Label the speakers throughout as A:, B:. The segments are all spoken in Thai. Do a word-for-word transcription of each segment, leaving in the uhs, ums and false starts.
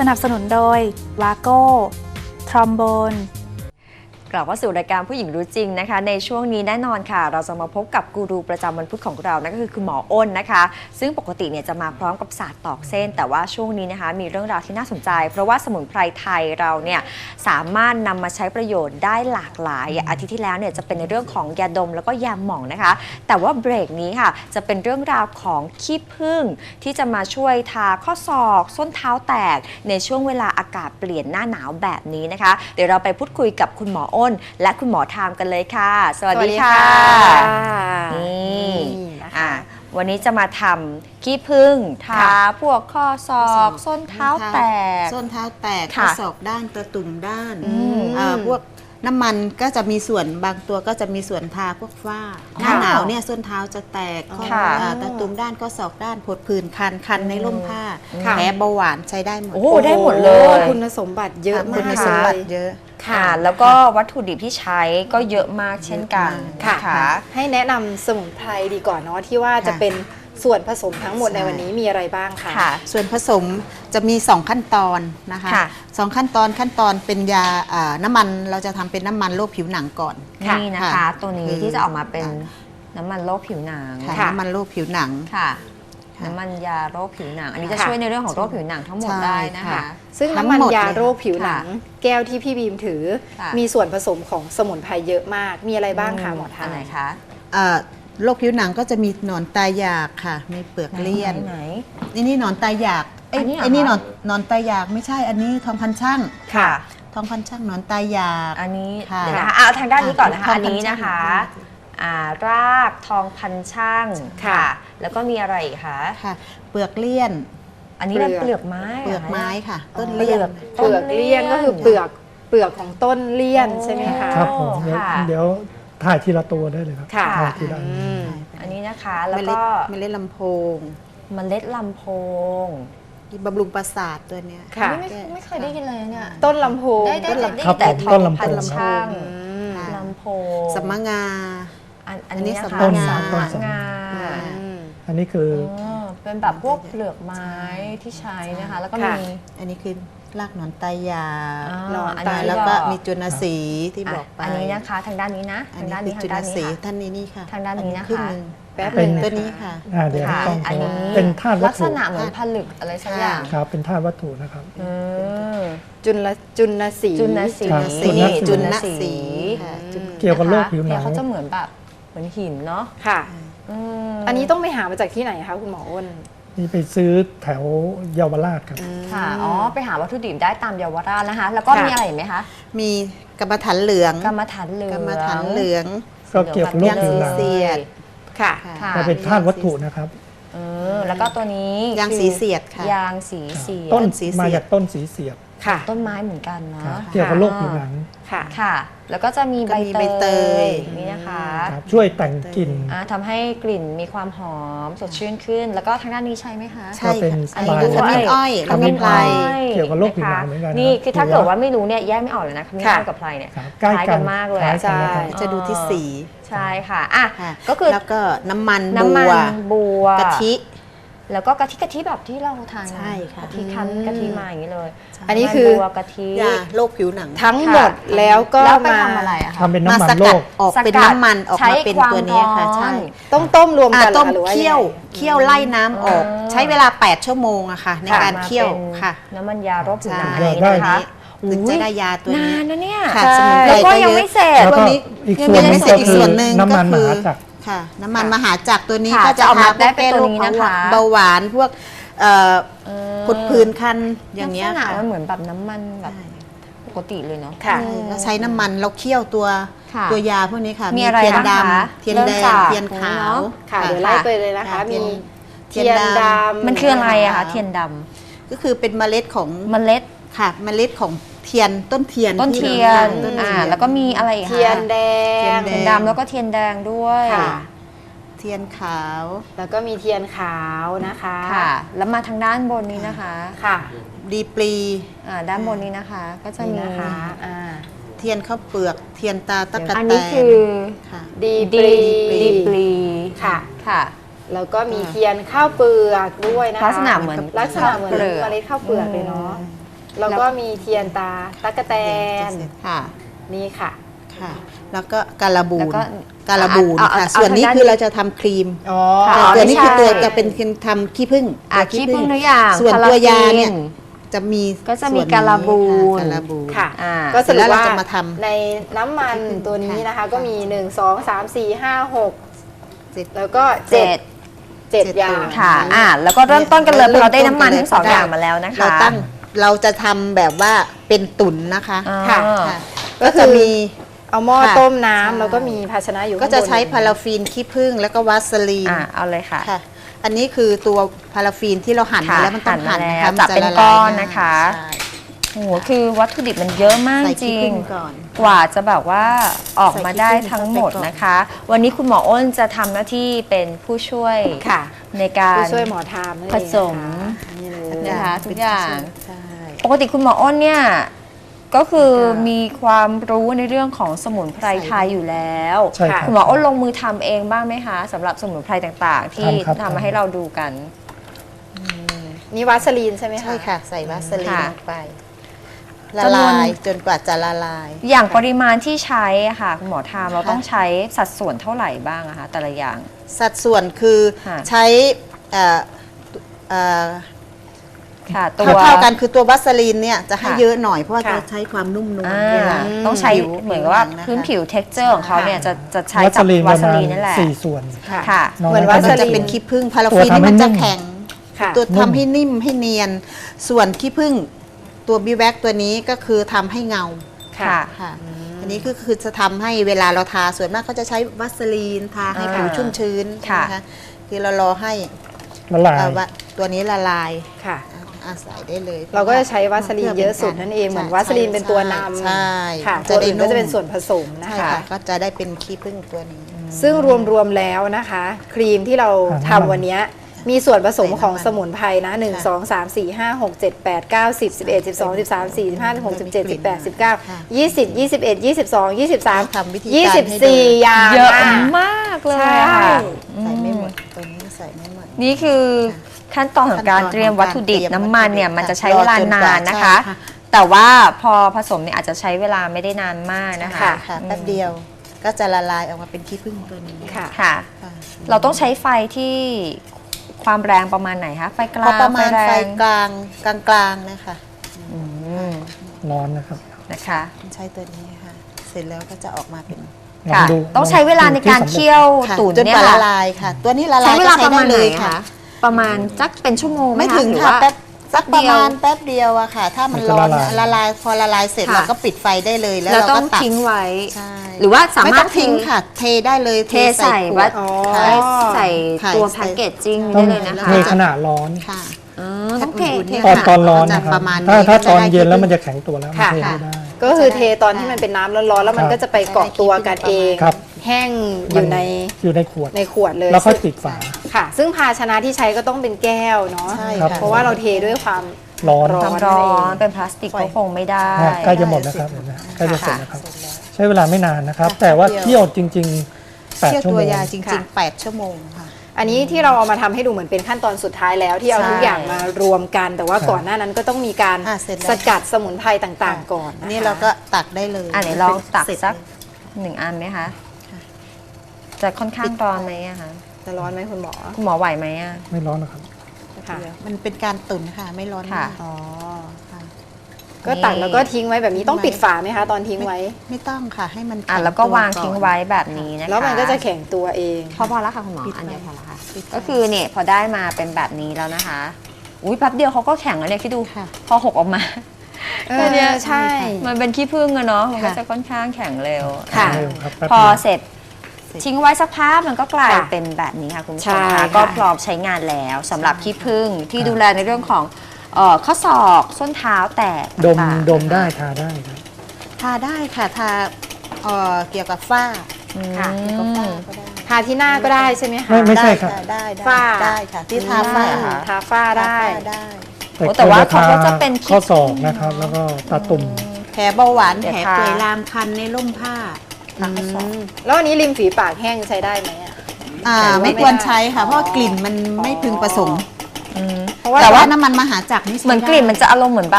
A: นับสนุนโดยวาโก้ทรอมโบน
B: กลับว่าสู่รายการผู้หญิงรู้จริงนะคะในช่วงนี้แน่นอนค่ะเราจะมาพบกับกูรูประจำวันพุธของเรานั่นก็คือคุณหมออ้นนะคะซึ่งปกติเนี่ยจะมาพร้อมกับศาสตร์ตอกเส้นแต่ว่าช่วงนี้นะคะมีเรื่องราวที่น่าสนใจเพราะว่าสมุนไพรไทยเราเนี่ยสามารถนำมาใช้ประโยชน์ได้หลากหลายอาทิตย์ที่แล้วเนี่ยจะเป็นในเรื่องของยาดมแล้วก็ยาหม่องนะคะแต่ว่าเบรกนี้ค่ะจะเป็นเรื่องราวของขี้ผึ้งที่จะมาช่วยทาข้อศอกส้นเท้าแตกในช่วงเวลาอากาศเปลี่ยนหน้าหนาวแบบนี้นะคะเดี๋ยวเราไปพูดคุยกับคุณหมออ้นและคุณหมอทามกันเลยค่ะสวัสดีค่ะนี่อ่ะวันนี้จะมาทำขี้ผึ้งทาพวกข้อศอกส้นเท้าแตก
C: ส้นเท้าแตกข้อศอกด้านตะตุ่มด้านพวกน้ำมันก็จะมีส่วนบางตัวก็จะมีส่วนทาพวกฝ้าหน้าหนาวเนี่ยส้นเท้าจะแตกตะตุ่มด้านข้อศอกด้านผดผื่นคันคันในร่มผ้าแผลเบาหวานใช้ได้หมด
B: โอ้ได้หมดเลย
D: คุณสมบัติเยอะมาก
C: คุณสมบัติเยอะ
B: ค่ะแล้วก็วัตถุดิบที่ใช้ก็เยอะมากเช่นกัน
D: ค่ะให้แนะนำสมุนไพรดีก่อนเนาะที่ว่าจะเป็นส่วนผสมทั้งหมดในวันนี้มีอะไรบ้างคะ
C: ส่วนผสมจะมีสองขั้นตอนนะคะสองขั้นตอนขั้นตอนเป็นยาน้ำมันเราจะทำเป็นน้ำมันโรคผิวหนังก่อน
B: นี่นะคะตัวนี้ที่จะออกมาเป็นน้ำมันโรคผิวหนัง
C: น้ำมันโรคผิวหนัง
B: ค่ะน้ำมันยาโรคผิวหนังอันนี้จะช่วยในเรื่องของโรคผิวหนังทั้งหมดได้นะคะ
D: ซึ่งน้ำมันยาโรคผิวหนังแก้วที่พี่บีมถือมีส่วนผสมของสมุนไพรเยอะมากมีอะไรบ้างคะหมอทาน
B: ไหนคะ
C: โรคผิวหนังก็จะมีหนอนตายอยากค่ะมีเปลือกเลี่ยนนี่นี่หนอนตายอยากไอ้ไอ้นี่หนอนหนอนตายอยากไม่ใช่อันนี้ทองพันช่าง
B: ค่ะ
C: ทองพันช่างหนอนตายอยาก
B: อันนี้เดี๋ยวนะคะเอาทางด้านนี้ก่อนนะคะอันนี้นะคะรากทองพันช่างค่ะแล้วก็มีอะไรอีกคะ
C: ค่ะเปลือกเลี่ยน
B: อันนี้เป็นเปลือกไม้
C: เปลือกไม้ค่ะ
D: ต้นเลี่ยนเปลือกเลี่ยนก็คือเปลือกเปลือกของต้นเลี่ยนใช่ไหมคะ
E: ครับผมเดี๋ยวถ่ายทีละตัวได้เลยครับ
B: ถ่
E: ายทีละ
B: อันนี้นะคะแล้วก็
C: เมล็ดลำโพง
B: เมล็ดลำโพง
C: บำรุงประสาทตัวเนี้ย
B: ค่ะไม่ไม่เคยได้ยินเลยเนี่ย
D: ต้นลำโพง
B: ได้ได้แต่ทองพันช่างลำโพง
C: สัมมงา
B: อันนี้สัมมงาสัมมงา
E: อันนี้คือ
B: เป็นแบบพวกเปลือกไม้ที่ใช้นะคะแล้วก็มี
C: อันนี้คือรากหนอนตายอยากหนอนตายแล้วก็มีจุลสีที่บอกไป
B: อันนี้นะคะทางด้านนี้นะทางด้านนี้ทางด้านนี้
C: ท่านนี้นี่ค่ะ
B: ทางด้านนี้นะคะ
C: แป๊บเป็นตัวนี้ค่ะ
E: เดี๋ยวต้อง
B: อันนี้
E: เป็นธาตุวัตถุ
B: ลักษณะเหมือนผลึกอะไรสักอย่าง
E: ครับเป็นธาตุวัตถุนะครับ
D: จุลจุลสี
B: จุลสี
C: จุลสี
E: เกี่ยวกับโรคผิวหนัง
B: เขาจะเหมือนแบบเหมือนหินเนาะ
D: ค่ะอันนี้ต้องไปหามาจากที่ไหนคะคุณหมออ้น
E: นี่ไปซื้อแถวเยาวราชครับ
B: ค่ะอ๋อไปหาวัตถุดิบได้ตามเยาวราชนะคะแล้วก็มีอะไรไหมคะ
C: มีกรรมฐานเหลือง
B: กรรมฐานเหลือง
C: กรรมฐานเหลือง
E: ก็เกี่ยวกับโรคผิวหนัง
B: ค่ะ
E: ก็เป็นธาตุวัตถุนะครับ
B: เออแล้วก็ตัวนี้
C: ยางสีเสียดค่ะ
B: ยางสีเสียด
E: ต้นมาจากต้นสีเสียด
B: ค่ะต้นไม้เหมือนกันเนาะ
E: เกี่ยวกับโรคผิวหนัง
B: ค่ะค่ะแล้วก็จะมีใบเตยนี่นะคะ
E: ช่วยแต่งกลิ่น
B: ทำให้กลิ่นมีความหอมสดชื่นขึ้นแล้วก็ทางด้านนี้ใช่ไหมคะ
C: ใช่ค่ะอันนี้คือขมิ้นอ้อย
E: ขมิ้นไพรเกี่ยวกับโรคผิวหนังเหมือนกัน
B: นี่คือถ้าเกิดว่าไม่รู้เนี่ยแยกไม่ออกเลยนะขมิ้นอ้อยกับไพรเนี่ย
E: คล้าย
B: กันมากเลย
C: ใช่จะดูที่สี
B: ใช่ค่ะอ่ะก็คือ
C: แล้วก็น้ำมัน
B: บัว
C: กะทิ
B: แล้วก็กะทิกะทิแบบที่เราทาน
C: ใช่ค่ะ
B: กะทิคั้นกะทิมาอย่างนี้เลย
D: อันนี้คือ
B: กะทิ
C: ยาโรคผิวหนัง
D: ทั้งหมดแล้วก็
B: มาทำอะไรอะคะ
E: ทำเป็นน้ำมันโรค
C: ออกเป็นน้ำมันออกมาเป็นตัวนี้ค่ะใช่
D: ต้องต้มรวมกัน
C: ต้มเคี่ยวเคี่ยวไล่น้ำออกใช้เวลาแปดชั่วโมงอะค่ะในการเคี่ยวค่ะ
B: น้ำมันยาโรคผิวหนัง
C: นะคะถึงจะได้ยาตัวนี้
B: นานนะเนี่ย
C: แล้ว
B: ก็ยังไม่เสร็จ
E: ตัวนี้
C: ยังไม่เสร็จอีกส่วนหนึ่ง
E: ก็คือ
C: ค่ะน้ำมันมหาจักรตัวนี้ก็
B: จะ
C: เอา
B: มาได้เป็นตัวนี้นะคะ
C: เบาหวานพวกผดผื่นคันอย่างเงี้ยค่ะ
B: มันเหมือนแบบน้ำมันแบบปกติเลยเนาะ
C: เราใช้น้ำมันเราเคี่ยวตัวตัวยาพวกนี้ค่ะ
B: มีเทียนดำ
C: เทียนแดงเทียนขาว
D: ค่ะเดี๋ยวไล่ไปเลยนะคะมีเทียนดำ
B: มันคืออะไรอะคะเทียนด
C: ำก็คือเป็นเมล็ดของ
B: เมล็ด
C: ค่ะเมล็ดของเทียนต้นเทียน
B: ต้นเทียนอ่าแล้วก็มีอะไรอีกคะ
D: เทียนแดง
B: เทียนดำแล้วก็เทียนแดงด้วย
C: เทียนขาว
D: แล้วก็มีเทียนขาวนะคะ
B: ค่ะแล้วมาทางด้านบนนี้นะคะ
D: ค่ะ
C: ดีปลี
B: อ่าด้านบนนี้นะคะก็จะมี
D: นะคะอ่า
C: เทียนข้าวเปลือกเทียนตาตะกะแตน
B: อันนี้คือ
D: ดีปลี
B: ดีปลี
D: ค่ะ
B: ค่ะ
D: แล้วก็มีเทียนข้าวเปลือกด้วยนะคะ
B: ลักษณะเหมือน
D: ลักษณะเหมือนเมล็ดข้าวเปลือกเลยเนาะแล้วก็มีเทียนตาตั๊กแตน
C: ค่ะ
D: นี่ค่ะ
C: ค่ะ แล้วก็การบู
B: แล้ว
C: น
B: ก็
C: การบูน
B: เอาเอา
C: ค่ะ
B: เอา
C: ส่วนนี้
B: ทางด้าน
C: คือเราจะทำครีม
D: อ๋อ
C: แต่
B: อ๋อ
C: ตัวนี้คือตัว
B: ไม่ใช่
C: จะเป็นคือทำขี้ผึ้ง
B: อ่ะ
C: ตัว
B: ขี้ผึ้งทุกอย่าง
C: ส่วน
B: พารา
C: ตัวยา
B: ฟิน
C: เนี่ยจะมี
B: ก็จะมี
C: ส่วนนี้
B: การบูน
C: ค่ะการบูน
D: ค่ะ
B: อ่า
D: ก็สรุป
C: แล้วเรา
D: ว่า
C: จะมาทำ
D: ในน้ำมัน
C: ที่ขึ้น
D: ตัวนี้นะคะ
C: ค่ะ
D: ก็มี หนึ่ง สอง สาม สี่ ห้า หก
C: เจ็ด
D: แล้วก็
B: เจ็ด
D: เจ็ด
C: เจ็ด
D: อย่าง
C: ตัว
B: ค่ะอ่าแล้วก็เริ่มต้นกันเลยเพ
C: เริ่
B: ราะ
C: ม
B: เราได้น้ำมัน
C: ต้นกันเลย
B: ทั้งสอง
C: ก็ได้
B: อย่างมาแล้วนะคะ
C: เราตั้งเราจะทำแบบว่าเป็นตุ๋นนะคะ
B: อ่า
D: ค่ะ
C: ค่ะ
D: ก็
C: ก็
D: คือ
C: จะมี
D: เอาหม้อ
C: ค่ะ
D: ต้มน้ำ
C: ใช่
D: แล้วก็มีภาชนะอยู่
C: ก็จะ
D: ข้งบน
C: ใช้พาราฟินขี้ผึ้งแล้วก็วาสลีน
B: อ่าเอาเลยค่ะ
C: ค่ะ อันนี้คือตัวพาราฟินที่เราหั่น
B: ค่ะ
C: มาแล้วมันต้อง
B: หั่
C: หั่
B: น
C: น
B: มา
C: นะ
B: แล้
C: คะ
B: ว
C: มั
B: จับเป็น
C: ละลาย
B: ก้อน
C: ง่าย
B: นะคะ
C: ใช่
B: โอ้โหคือวัตถุดิบมันเยอะมาก
C: ใส่
B: จ
C: ขี้
B: ริ
C: ผึ้
B: ง
C: งก่อน
B: กว่าจะแบบว่าออกมาได้
C: ใส่ขี้ผึ้ง
B: ทั้งหมด
C: เข้าไปก่อน
B: นะคะ วันนี้คุณหมออ้นจะทำหน้าที่เป็นผู้ช่วย
D: ค่ะ
B: ในการ
D: ผู้ช่วยหมอทามนั่นเอง
B: ผสม
D: นะคะนี่เลย
B: นะคะทุกอย่าง
C: ใช่
B: ปกติคุณหมออ้นเนี่ยก็คือ
D: ค่ะ
B: มีความรู้ในเรื่องของสมุนไพรไทยอยู่แล้ว
E: ใช่ครับ
B: คุณหมออ้นลงมือทำเองบ้างไหมคะสำหรับสมุนไพรต่างๆ ที่
E: ทำครับ
B: ทำมาให้เราดูกัน
D: นี่วาสลีนใช่ไหมคะ
C: ใช่ค่ะ ใส่วาสลีน
B: ค่ะ
C: ลงไป ละ
B: จำนวน
C: ลายจนกว่าจะละลาย
B: อย่างปริมาณที่ใช้อะค่ะคุณหมอทามเรา
C: ค่ะ
B: ต้องใช้สัดส่วนเท่าไหร่บ้างอะคะแต่ละอย่าง
C: สัดส่วนคือ
B: ค่ะ
C: ใช้เอ่อเอ่อ
B: ค่ะตัว
C: เท่าๆกันคือตัววาสลีนเนี่ยจะให้
B: ค่ะ
C: เยอะหน่อยเพราะว่า
D: ค่ะ
C: จะใช้ความนุ่มนวล
B: อ่า
C: เวลา
B: ต้องใช้
C: ผิว
B: เหมือนกับว่า
C: ผิวหนังนะคะ
B: พื้นผิว texture ของเขาเนี่ยจะจะใช้
E: วั
B: จาก
E: สลีน
B: วา
E: ประ
B: ส
E: มาณ
B: ลีนนั่นแหละ
E: สี่ส่วน
D: ค่ะ
B: ค่ะ
E: น้อย
D: เหมือน
E: ก็
D: วาส
C: มัน
D: ลี
C: จะ
D: น
C: เป็นขี้ผึ้งพาราฟิน
E: ตัวทำ
C: นี่มัน
E: ให้
C: จะ
E: นุ่ม
C: แข็ง
D: ค่ะ
C: ตัว
E: นุ่ม
C: ทำให้นิ่มให้เนียน ส่วนขี้ผึ้งตัวบีแว็กตัวนี้ก็คือทำให้เงา
B: ค่ะ
C: ค่ะ อันนี้ก็คือจะทำให้เวลาเราทาส่วนมากเขาจะใช้วัสลีนทาให้
B: อ่า
C: ผิวชุ่มชื้น
B: ค่ะ
C: นะคะคือเรารอให้
E: ละลาย
C: เอ่อว่าตัวนี้ละลาย
D: ค่ะ
C: อาศัยได้เลย
D: เราก็จะใช้วาสลีนเยอะสุดนั่นเอง เหมือนวาสลีนเป็นตัวนำ
C: ใช่
D: ค่ะ
C: จะ
D: ตัว
C: ได้
D: อื่นก็จะเป็นส่วนผสมนะ
C: ใช่
D: คะ
C: ค่ะก็จะได้เป็นขี้ผึ้งตัวนี้
D: ซึ่งรวมๆแล้วนะคะ ครีมที่เรา
E: อ่า
D: ทำวันเนี้ยมีส่วนผสม
C: ใส่น้ำมัน
D: ของสมุนไพรนะหนึ่ง
C: ค่ะ
D: สอง สาม สี่ ห้า หก เจ็ด แปด เก้า สิบ สิบเอ็ด สิบสอง สิบสาม สี่ สิบห้า สิบหก สิบเจ็ด สิบแปด สิบเก้า
C: ค่ะ
D: ยี่สิบ ยี่สิบเอ็ด ยี่สิบสอง ยี่สิบสาม
C: ทำวิธีการ
D: ยี่สิบ
C: ให้
D: สี่
C: ดู
D: อย่าง
B: เยอะ
D: อะ
B: มากเลย
D: ใช่
B: อะค่ะ
C: ใส่ไม่หมดตัวนี้ใส่ไม่หมด
B: นี่คือขั้นตอนของการเตรียมวัตถุดิบน้ำมันเนี่ยมันจะใช้เวลานานนะคะ แต่ว่าพอผสมเนี่ยอาจจะใช้เวลาไม่ได้นานมากนะคะ
C: ค่ะค่ะแป๊บเดียวก็จะละลายออกมาเป็นขี้ผึ้งตัวนี้
D: ค่ะ
B: ค่ะ
C: ค่ะ
B: เราต้องใช้ไฟที่ความแรงประมาณไหนคะไฟก
C: พอ
B: ลาง
C: ประมาณ
B: แร
C: ไฟ
B: ง
C: กลางกลางกลางๆนะคะ
B: อืม
E: ร้อนนะครับ
B: นะคะ
C: ใช้ตัวนี้ค่ะ เสร็จแล้วก็จะออกมาเป็น
E: ลอง
B: ค่ะ
E: ดู
B: ต้องใช้เวลาในการ
E: ที่สำเร็จ
B: เคี่ยว
C: ค่ะ
B: ตุ๋น
C: จน
B: เนี่
C: ก
B: ย
C: ว่าละ
B: ค่ะ
C: ลายค่ะ ตัวนี้ละลา
B: ใช้
C: ย
B: เว
C: ก็
B: ลา
C: ใช้
B: ประ
C: ได้
B: มาณไห
C: เล
B: น
C: ย
B: คะ
C: ค่ะ
B: ประมาณสักเป็นชั่วโมงห
C: ไม่ถึง
B: หรือ
C: ค่ะ
B: ว่า
C: แป๊บสัก
B: แป๊
C: ป
B: บ
C: ระ
B: เดียว
C: มาณแป๊บเดียวอะค่ะ ถ้ามัน
E: มันจะ
C: ร้อน
E: ละลาย
C: ละลายพอละลายเสร็จ
B: ค่ะ
C: เราก็ปิดไฟได้เลยแล้ว
B: เรา
C: เรา
B: ต้อ
C: ก็
B: ง
C: ตัก
B: ทิ้งไว้
C: ใช่
B: หรือว่าสา
C: ไม่
B: มาร
C: ต้
B: ถ
C: องทิ้งค่ะ เทได้เลย
B: เทใส่
C: ข
B: วัด
C: ด
D: อ๋อ
C: ค่ะ
B: ใส่
C: ค่ะ
B: ตัว
C: ใส่
B: แพ็กเกจจิ้ง
E: ต้
B: ได้
E: อง
B: เลยนะ
C: แล้
B: คะ
C: ว
E: เท
C: ก็
E: ขนาดร้อน
C: ค่ะ
B: อ๋อต้องเท
C: อุ่นๆ
B: เท
C: เนี่ย
E: ตอน
C: ค่ะ
E: ตอนร้อน
C: จะ
E: นะครับ
C: ประมาณนี้
E: ถ้าถ้า
C: จะ
E: ตอน
C: ได้
E: เย็นแล้ว
C: ที่
E: มันจะแข็งตัวแล้วมัน
D: ค่ะ
E: เทไม่ได้
D: ก็คือเทตอนที่มันเป็นน้ำร้อนๆแล้วมัน
E: ครับ
D: ก็จะไปเกาะตัวกันเอง
E: ครับ
D: แห้งอยู่ใน
E: อยู่ในขวด
D: ในขวดเลย
E: แล้วค่อยปิดฝา
D: ค่ะ ซึ่งภาชนะที่ใช้ก็ต้องเป็นแก้วเนาะ
C: ใช่
E: ครับ
C: ค่ะ
D: เพราะว่าเราเทด้วยความ
E: ร้อน
D: ร้
B: ความร้อนเป็นพลาสติกก็คงไม่ได้
E: นะใกล้จะหมดนะครับเห็นไหมใกล้จะเสร็จแล้วครับ ใช้เวลาไม่นานนะครับ แต่ว่าเคี่ยวจริงๆแปด
C: เคี่ยว
E: ชั่ว
C: ตั
E: โม
C: ว
E: ง
C: ยาจริ
D: ค่ะ
C: งๆแปดชั่วโมงค่ะ
D: อันนี้ที่เราเอามาทำให้ดูเหมือนเป็นขั้นตอนสุดท้ายแล้วที่เอา
B: ใช่
D: ทุกอย่างมารวมกัน แต่ว่า
E: ครับ
D: ก่อนหน้านั้นก็ต้องมีการ
C: อ่ะเสร็จแล้ว
D: สกัดสมุนไพรต่างๆ ก่อน
C: อั
D: นะ
C: น
D: คะ
C: นี้เราก็ตักได้เลย
B: อ่ะไหนลองตัก
C: เสร็จ
B: สัก
C: เลย
B: หนึ่งอันไหมคะ
C: ค่ะ
B: จะค่อนข้างร้อนไหมอะคะ
D: จะร้อนไหมคุณหมอ
B: คุณหมอไหวไหมอะ
E: ไม่ร้อนนะครับ
D: ค่ะ
C: มันเป็นการตุ๋นค่ะ ไม่ร้อน
B: ค่ะ
C: มาก
D: อ๋อ
C: ค่ะ
D: ก็ตักแล้วก็ทิ้งไว้แบบนี้ต้องปิดฝาไหมคะ ตอนทิ้งไว้
C: ไม่ต้องค่ะ ให้มัน
B: อ่ะ
C: ข็
B: แล้วก็
C: ตัว
B: วางทิ้งไว้แบบนี้นะคะ
D: แล้วมันก็จะแข็งตัวเอง
B: พอพอแล้วค่ะคุณหมอ
C: ปิด
B: อันเดียว
C: ไฟ
B: พอแล้วค่ะ
C: ปิดไฟ
B: ก็คือเนี่ยพอได้มาเป็นแบบนี้แล้วนะคะ อุ้ยแป๊บเดียวเขาก็แข็งแล้วเนี่ยคิดดู
C: ค่ะ
B: พอหกออกมา
D: เอ
B: แค่
D: อ
B: เนี้ย
D: ใช่
B: มันเป็นขี้ผึ้งอะเนาะมันก็
C: ค่ะ
B: จะค่อนข้างแข็งเร็ว
D: ค่ะ
B: อ่
E: เร็วครับแป๊บ
B: พอ
E: เดียว
B: เสร็จทิ้งไว้สักพักมันก็กลาย
D: ค่ะ
B: เป็นแบบนี้ค่ะคุณผู้ช
D: ใช่
B: ม
D: ค่ะ
B: ค่ะก็พร้อมใช้งานแล้วสำหรับขี้ผึ้งที่ดูแลในเรื่องของเอ่อข้อศอกส้นเท้าแตก
E: ดม
B: ต่างๆ
E: ดมได้ทาได้ครับ
C: ทาได้ค่ะ ทาเอ่อเกี่ยวกับฝ้า
B: อืม
C: เกี่ยวกับฝ้าก็ได้
D: ทาที่หน้าก็ได้ใช่ไหมคะ
E: ไม่ไม่ใช่
C: ได้
E: ครับ
C: ค่ะได้ได้
D: ฝ้า
C: ได้ค่ะ ที่ทาฝ้า
D: อืม
C: ค่ะ
D: ทาฝ้าได้
C: ทาฝ้าได้
B: โอ้แต่ว่าเขาก็จะเป็นขี้
E: ข้อศอกนะครับ แล้วก็ตาตุ่ม
C: แผลเบาหวาน
B: เดี๋ยว
C: แผล
B: ทา
C: เปื่อยลามคันในร่มผ้า
D: อืมแล้วอันนี้ริมฝีปากแห้งใช้ได้ไหมอะ
C: อ่า
D: แต่ว่า
C: ไม่
D: ไม่
C: ควร
D: ได้
C: ใช้ค่ะ เพราะว่ากลิ่นมันไม่พึงประสงค์
B: อืม
D: เพราะว่า
C: แต่ว่าน้ำมันมหาจักรนี่ใช้
B: เหมือน
C: ได้
B: กลิ่นมันจะอารมณ์เหมือนแบบ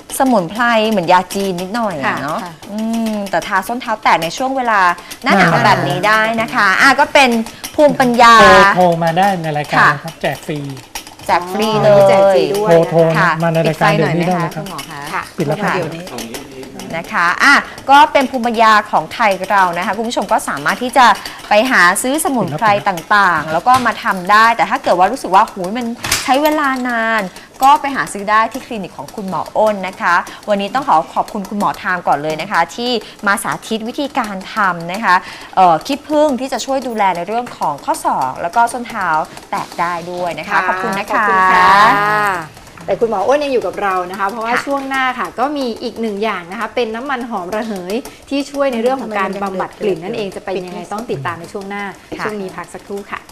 B: สมุนไพรเหมือนยาจีนนิดหน่อยอะ
D: ค่ะ
B: เนาะ
C: ค่ะ
B: อืมแต่ทาส้นเท้าแตะในช่วงเวลาหน้าหนาว
E: หน้าหนาว
B: แบบนี้ได้นะคะอ่ะก็เป็นภูมิปัญญา
E: โทรโทรมาได้ในรายการ
B: ค่ะ
E: นะครับแจกฟรี
B: แจกฟรีเล
D: อ๋อแจกฟรี
B: ย
D: ด้วย
E: โทรโทร
B: ค่ะ
E: มาในรายการเดี๋ยวนี้ได้เลยค
B: คุ
E: รับ
B: ณหมอคะ
D: ค่ะ
E: ปิดแล้วครับ
C: เดี๋ยวนี้
B: นะคะอ่ะก็เป็นภูมิปัญญาของไทยเรานะคะคุณผู้ชมก็สามารถที่จะไปหาซื้อสมุนไพรต่างๆ แล้วก็มาทำได้ แต่ถ้าเกิดว่ารู้สึกว่าหูยมันใช้เวลานาน ก็ไปหาซื้อได้ที่คลินิกของคุณหมออ้นนะคะ วันนี้ต้องขอขอบคุณคุณหมอทามก่อนเลยนะคะ ที่มาสาธิตวิธีการทำนะคะเอ่อขี้ผึ้งที่จะช่วยดูแลในเรื่องของข้อศอกแล้วก็ส้นเท้าแตะได้ด้วยนะคะ ขอบคุณนะคะ
D: ขอบคุณค่ะ แต่คุณหมออ้นยังอยู่กับเรานะคะ เพราะว่า
B: ค่ะ
D: ช่วงหน้าค่ะก็มีอีกหนึ่งอย่างนะคะ เป็นน้ำมันหอมระเหยที่ช่วยในเรื่องของการบำบัดกลิ่นนั่นเองจะเป็นยังไงต้องติดตามในช่วงหน้า ช่วงนี้พักสักครู่ค่ะ